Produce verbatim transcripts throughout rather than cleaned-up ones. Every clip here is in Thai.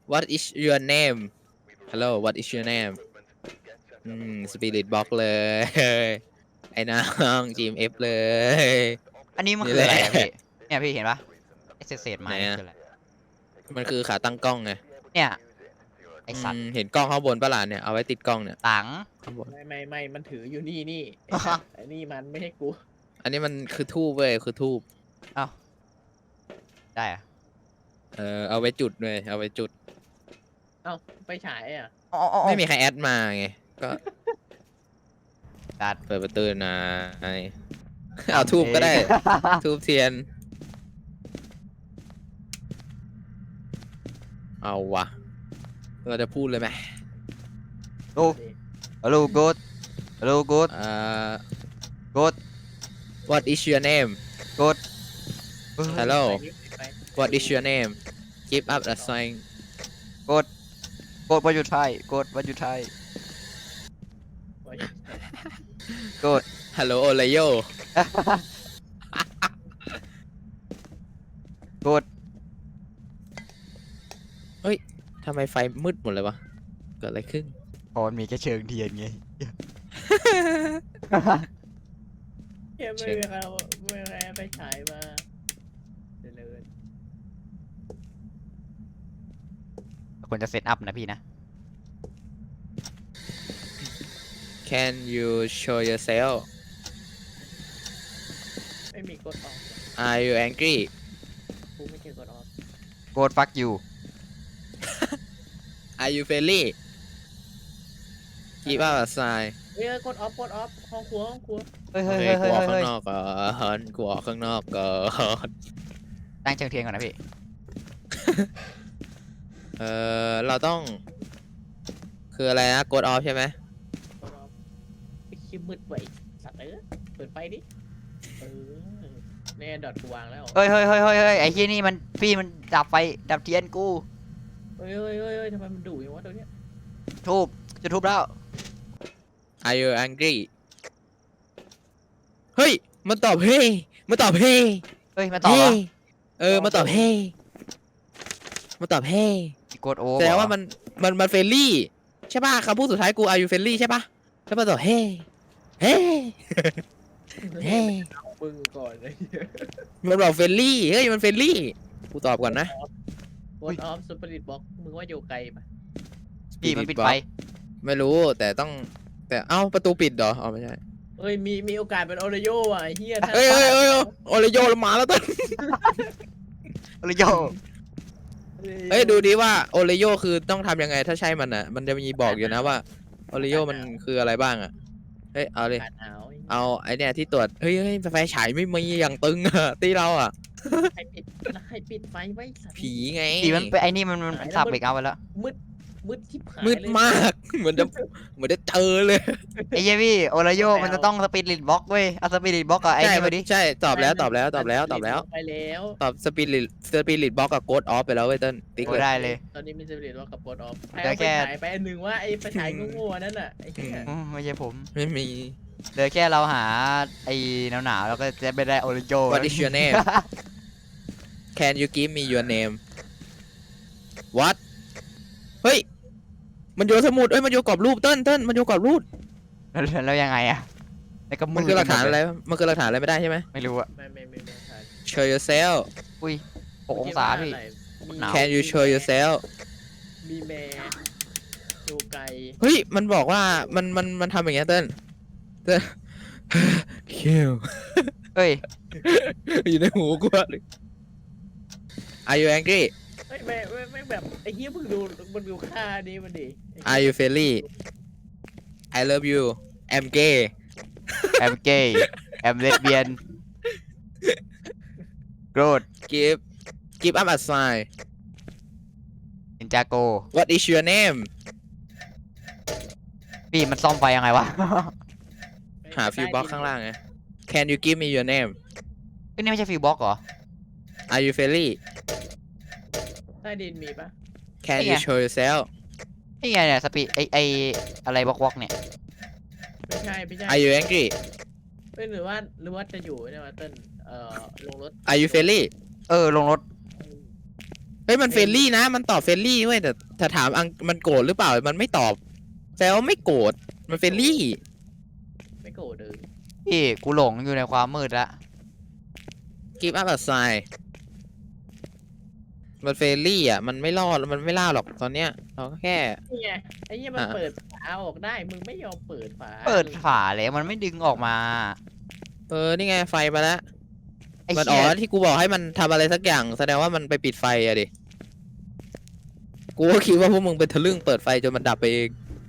What is your name Hello What is your name อืม Spirit Box เลยไอ้น้อง จี เอ็ม เอฟ เลยอันนี้มันนี่คืออะไรแหละอะพี่เนี่ยพี่เห็นปะไอเศษเศษไม้ไหนนี่อะคืออะไรมันคือขาตั้งกล้องไงเนี่ยไออืสัตว์มเห็นกล้องข้างบนปะล่ะเนี่ยเอาไว้ติดกล้องเนี่ยหลังข้างบนไม่ไม่ไม่มันถืออยู่นี่นี่ไอ้สัตว์ไอ้นี่มันไม่ใช่กูอันนี้มันคือทูบเว้ยคือทูบเอ้าได้อะเออเอาไว้จุดเลยเอาไว้จุดเอ้าไปฉายอ่ะอ๋ออ๋ออ๋อไม่มีใครแอดมาไงก็ดัดเปิดประตูหน่อยเอาทูบก็ได้ ทูบเทียน เอาวะ เราจะพูดเลยไหมโอ้ฮัลโหลกูดฮัลโหลกูดอ่ากูด What is your name กูด Hello ไปนี่ไป What is your name Give up a sign กูดกูดว่าอยู่ไทยกูดว่าอยู่ไทยไปกูด Hello Olayo กูดทำไมไฟมืดหมดเลยวะ เกิดอะไรขึ้นพอมันมีแค่เชิงเทียนไงเฮ้ยไม่มีใครเอาไม่มีใครเอาไปฉายมาเจริญควรจะเซตอัพนะพี่นะ Can you show yourself ไม่มีกดออก Are you angry กูไม่เจอกดออกกูดฟักยู Are you friendly Give up a sign เฮ้ยกดออฟกดออฟห้องครัวห้องครัวเฮ้ยโอเฮ้ยเคเฮ้ยกลัเฮ้วย ข้างเฮ้ยนอกก่อนกลัวข้างนอกก่อนตั้งเชิงเทียนก่อนนะพี่เออเราต้อง คืออะไรนะกดออฟใช่ไหมกดออฟไอ้คิมมืดไว้สัตว์เอ้ยเปิดไฟดิเออแน่ดอทกูวางแล้วเฮ้ยเฮ้ยเฮ้ยเฮ้ยเฮ้ยไอ้เฮียนี่มันพี่มันดับไฟดับเทียนกูเฮ้ยเฮ้ยเฮ้ยเฮ้ยทำไมมันดุอย่างวะตัวเนี้ยทูบจะทูบแล้ว Are you angry เฮ้ย มันตอบเฮ้มันตอบเฮ้เฮ้ยมาต่อวะเออ มันตอบเฮ้มันตอบเฮ้กดโอแสดงว่ามัน มัน มันเฟรนลี่ใช่ป่ะคำพูดสุดท้ายกู Are you friendly ใช่ป่ะแล้วมันตอบเฮ้เฮ้เฮ้มึงก่อนเลยมันบอกเฟรนลี่ เฮ้ย มันเฟรนลี่ กูตอบก่อนนะกดออฟสปิริตบ็อกมึงว่าอยู่ไกลปะพี่มันปิดไฟไม่รู้ แต่ต้อง แต่ เอ้า ประตูปิดเหรออ๋อไม่ใช่เอ้ยมีมีโอกาสเป็นโอริโยอ่ะไอ้เฮียถ้าเฮ้ยเฮ้ยเฮ้ยโอเลโยมาแล้วต้นโอริโยเอ้ยดูดิว่าโอเลโยคือต้องทำยังไงถ้าใช่มันอ่ะ มันจะมีบอกอยู่นะว่าโอเลโยมันคืออะไรบ้างอ่ะ เฮ้ยเอาเลยอากาศหนาวเอาไอเนี่ยที่ตรวจ เฮ้ยเฮ้ยไฟฉายไม่มีอย่างตึงอ่ะตีเราอ่ะใครปิดแล้วใครปิดไฟไว้สัตว์ผีไงพี่มันไปไอ้นี่มันมันสับเบรกเอาไปแล้วมืดมืดทิพหายมืดเลยมาก เหมือนจะเหมือนจะเจอเลยไอ้เหี้ยพี่โอริโยมันจะต้องสปิริตบ็อกเว้ยเอาสปิริตบ็อกกับไอ้ใช่นี่ไปดิใช่ตอบแล้วตอบแล้วตอบแล้วตอบแล้วไปแล้วตอบสปิริตสปิริตบ็อกกับโกดออฟไปแล้วเว้ยเต้นติ๊กโอ้เลยได้เลยตอนนี้มีสปิริตว่ากับโปรดออฟเหลือแค่ไปฉายไปอันหนึ่งว่าไอ้ไปฉายโง่ๆนั่นน่ะไอ้เหี้ยอืมไม่ใช่ผมไม่มีเหลือแค่เราหาไอ้หนาวๆแล้วก็จะไปได้โอริโย What is your name Can you give me your name What เฮ้ย มันโยนสมุดเอ้ย มันโยนกรอบรูปเต้นเต้นมันโยนกรอบรูปแล้วแล้วยังไงอะแล้วก็มันคือหลักฐานอะไร มันคือหลักฐานอะไรไม่ได้ใช่ไหมไม่รู้อะไม่ไม่ไม่ไม่ใช่ Show yourself อุ้ยหกองศาพี่มีหนาว Can you show yourself มีแม่ดูไกลเฮ้ย มันบอกว่า มัน มัน มันทำอย่างเงี้ยเต้นเต้น kill เฮ้ยอยู่ในหูกูอะเลย Are you angry ไม่ไม่ไม่ไม่แบบไอ้เหี้ยมึงดูมึงดูค่านี้มันดิ Are you friendly I love you I'm gay แอมเกย์แอมเลสเบียนโกรธ Give Give up a sign นินจาโก What is your name พี่มันซ่อมไฟยังไงวะหาฟิวบ็อกข้างล่างไง Can you give me your name เอ้ยนี่ไม่ใช่ฟิวบ็อกเหรอ Are you friendly ใต้ดินมีปะ Can นี่ you ไง show yourself นี่ไงเนี่ยสปีดไอไออะไรบ็อกบ็อกเนี่ยไม่ใช่ไม่ใช่ Are you angry เอ้ยหรือว่าหรือว่าจะอยู่เนี่ยมาเต้นเอ่อลงรถ Are you friendly เออลงรถฮ้ยมันเฟรนลี่นะมันตอบเฟรนลี่เว้ยแต่ถ้าถามอังมันโกรธหรือเปล่ามันไม่ตอบแปลว่าไม่โกรธมันเฟรนลี่ไม่โกรธเลยพี่กูหลงอยู่ในความมืดละ give up a sign มันเฟรนลี่อ่ะมันไม่รอดมันไม่ล่าหรอกตอนเนี้ยเราก็แค่นี่ไงไอ้เหี้ยมันอ่ะเปิดฝาออกได้มึงไม่ยอมเปิดฝาเปิดฝาแล้วมันไม่ดึงออกมาเออนี่ไงไฟมาแล้วไอ้มันอ๋เหี้อย ที่กูบอกให้มันทำอะไรสักอย่างแสดงว่ามันไปปิดไฟอะดิกูก็คิดว่าพวกมึงเป็นทะลึ่งเปิดไฟจนมันดับไปเอง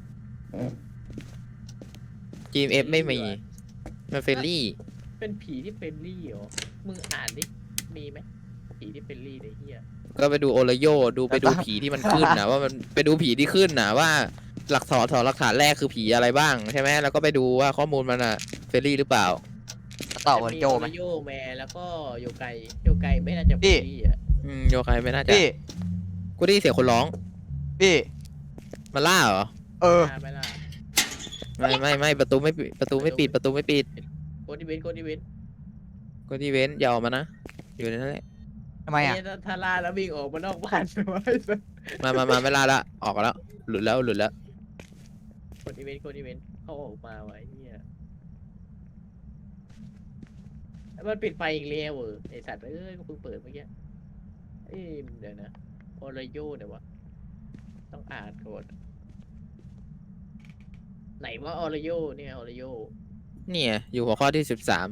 จี เอ็ม เอฟ ไม่มีมันเฟรนลี่เป็นผีที่เฟรนลี่เหรอมึงอ่านดิมีไหมผีที่เฟรนลี่เนี่ยเหี้ยก็ไปดูโอระโยดูไปดูผีที่มันขึ้นนะว่ามันไปดูผีที่ขึ้นนะว่าหลักฐานถอนหลักฐานแรกคือผีอะไรบ้างใช่ไหมแล้วก็ไปดูว่าข้อมูลมันอะเฟรนลี่หรือเปล่าต่อวันโจไหมจะโยแมแล้วก็โยไกโยไกไม่น่าจะพี่เฟรนลี่อ่ะอืมโยคายไม่น่าจะพี่กูได้ยินเสียงคนร้องพี่มันล่าเหรอเออมาไม่ล่ะไม่ไม่ไม่ประตูไม่ปิดประตูไม่ปิดประตูไม่ปิดโกดิเวนโกดิเวนก็ที่เว้นอย่าออกมานะอยู่ในนั้นแหละทำไมอ่ะเหี้ยถ้าถ้าล่าแล้ววิ่งออกมานอกบ้านไว้มามามาไม่ล่าละออกแล้วหลุดแล้วหลุดแล้วโกดิเวนโกดิเวนเขาออกมาไว้เหี้ยมันปิดไฟอีกแล้วเออไอสัตว์เอ้ยกูเพิ่งเปิดเมื่อกี้เอ้ยเดี๋ยวนะโอรโยเดี๋ยววะต้องอ่านก่อนไหนว่าออรโยเนี่ยออรโยเนี่ยอยู่หัวข้อที่สิบสาม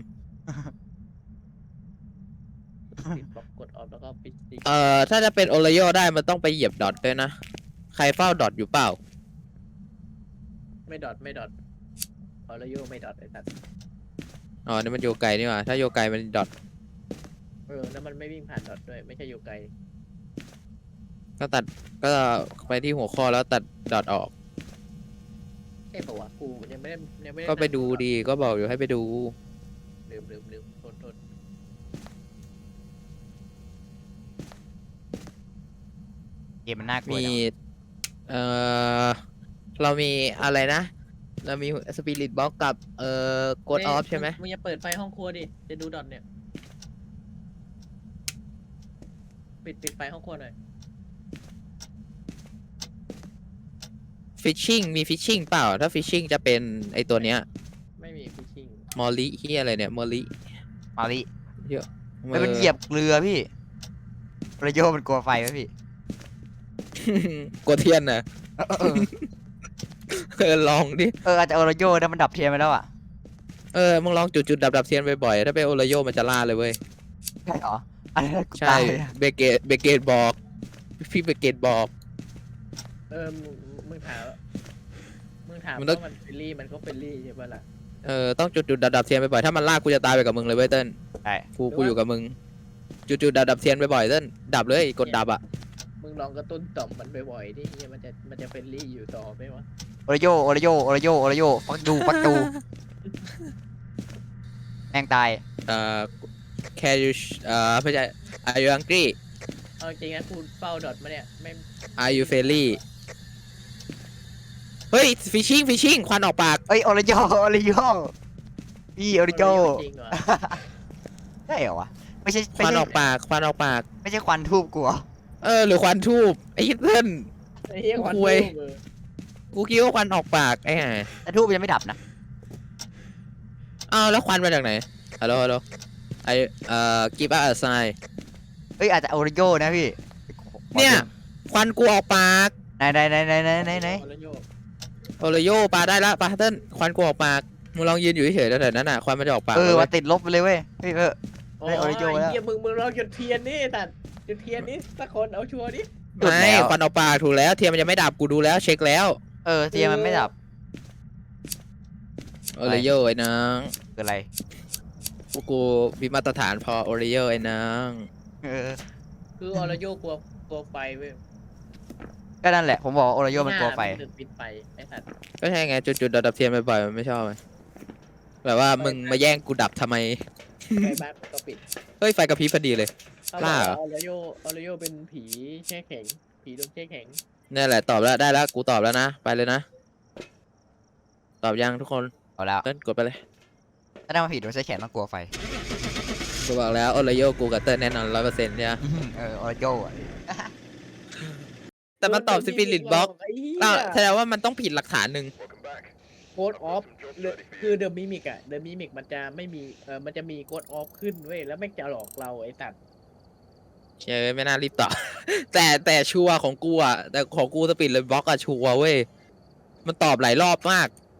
ปิดบล็อกกดออฟแล้วก็ปิดดิเอ่อถ้าจะเป็นโอระโยได้มันต้องไปเหยียบดอทด้วยนะใครเฝ้าดอทอยู่เปล่าไม่ดอทไม่ดอทออรโยไม่ดอทไอ้สัตว์อ๋อนี่มันโยไกนี่หว่าถ้าโยไกมันดอทเออแล้วมันไม่วิ่งผ่านดอทด้วยไม่ใช่โยไกก็ตัดก็ไปที่หัวข้อแล้วตัดดอทออกเอ้ปะวะกูยังไม่ได้ยังไม่ได้ก็ไปดูดีก็บอกอยู่ให้ไปดูลืมลืมลืมโทษโทษเกมมันน่ากลัวมีจังเอ่อเรามีอะไรนะ เรามีสปิริตบ็อกกับเอ่อกดออฟใช่ไหมมึงอย่าเปิดไฟห้องครัวดิจะดูดอทเนี่ยปิดปิดไฟห้องครัวหน่อยฟิชชิ่งมีฟิชชิ่งเปล่า ถ้าฟิชชิ่งจะเป็นไอตัวเนี้ยไม่มีฟิชชิ่งมอลลี่ที่อะไรเนี่ยมอลลี่มาลิเยอะไม่เป็นเหยียบเรือพี่ประโยชน์มันกลัวไฟไหมพี่กดเทียนนะเออเออเออลองดิเอออาจจะโอโรโยนะมันดับเทียนไปแล้วอ่ะเออมึงลองจุดจุดดับดับๆเทียนบ่อยๆถ้าเป็นโอระโยมันจะล่าเลยเว้ยใช่เหรออันนี้กูใช่ตายเลยอะเบเกตเบเกตบอกพี่เบเกตบอกเออมึงมึงถามมึงถามมันต้องว่ามันเฟรนลี่มันก็เฟรนลี่ใช่ปะล่ะเออต้องจุดจุดดับดับๆเทียนบ่อยๆถ้ามันล่ากูจะตายไปกับมึงเลยเว้ยเติ้ลใช่กูกูอยู่กับมึง จุดจุดดับดับๆเทียนบ่อยๆเติ้ลดับเลยกดดับอ่ะมึงลองกระตุ้นต่อมมันบ่อยๆดิเหี้ยมันจะมันจะเฟรนลี่อยู่ต่อไหมวะโอโรโยโอโรโยโอโรโยโอโรโยฟักดูฟักดูแม่งตายเอ่อ can you เอ่อไม่ใช่ are you hungry เอาจริงนะกูเฝ้าดอทมาเนี่ยไม่ are you friendly เฮ้ย fishing fishing ควันออกปากเอ้ยโอโรโยโอโรโยพี่โอโรโยจริงเหรอใช่เหรอวะไม่ใช่คไม่วันใช่ออกปากควันออกปากไม่ใช่ควันทูบกูเหรอเออหรือควันทูบไอ้เติ้ลไอ้เหี้ยควันคุยทูบเออกูคิดว่าควันออกปากไอ้ห่าแต่ทูบยังไม่ดับนะอ้าวแล้วควันมาจากไหนฮัลโหลฮัลโหลไอเอ่อ give us a sign เอ้ยอาจจะโอโรโยนะพี่เนี่ย ควันกูออกปากไหนไหนไหนไหนไหนไหนไหนโอโรโยโอเลโยปลาได้ละปลาเติ้ลควันกูออกปากมึงลองยืนอยู่เฉยๆแถวๆนั้นน่ะควันมันจะออกปากเออเลยเว้ว่าย ติดลบไปเลยเว้ยเฮ้ยเออโอ้ได้ยโอโรโยแล้วเหี้ยมึงมึงลองจุดเทียนนี่แต่จุดเทียนนี่สักคนเอาชัวร์ดิจุดไม่แล้วควันออกปากถูกแล้วเทียนมันยังไม่ดับกูดูแล้วเช็คแล้วเออเทียนมันไม่ดับโอเลโยไอ้น้องคืออะไรพวกกูมีมาตรฐานพอโอเลโยไอ้น้องเออคือออโรโยกลัวกลัวไฟเว้ยก็นั่นแหละผมบอกว่าโอโรโยมันกลัวไฟหามันถึงปิดไฟไอ้สัตว์ก็ใช่ไงจุดๆดับๆเทียนบ่อยๆมันไม่ชอบไงแบบว่ามึงมาแย่งกูดับทำไมไฟบ้านมันก็ปิดเฮ้ยไฟกระพริบพอดีเลยเขาบล่าอกเหรอว่าออโรโยออโรโยเป็นผีแช่แข็ง ผีโดนแช่แข็งนี่แหละตอบแล้วได้แล้วกูตอบแล้วนะไปเลยนะตอบยังทุกคนเอาแล้วเต้นกดไปเลยถ้าได้มาผิดโดนใช้แขนต้องกลัวไฟกูบอกแล้วโอเลโยกูกับเต้นแน่นอนร้อยเปอร์เซ็นต์เนี่ยเออโอโรโยอ่ะแต่มันตอบสปิริตบล็อกไอ้เหี้อ่าย แสดงว่ามันต้องผิดหลักฐานหนึ่งโค้ดออฟคือเดอะมิมิกอะเดอะมิมิกมันจะไม่มีเออมันจะมีโค้ดออฟขึ้นเว้ยแล้วแม่งจะหลอกเราไอ้สัตว์เชื่อไม่น่ารีบตอบ แต่แต่ชัวร์ของกูอ่ะแต่ของกูสปิริตบล็อกอะชัวร์เว้ยมันตอบหลายรอบมาก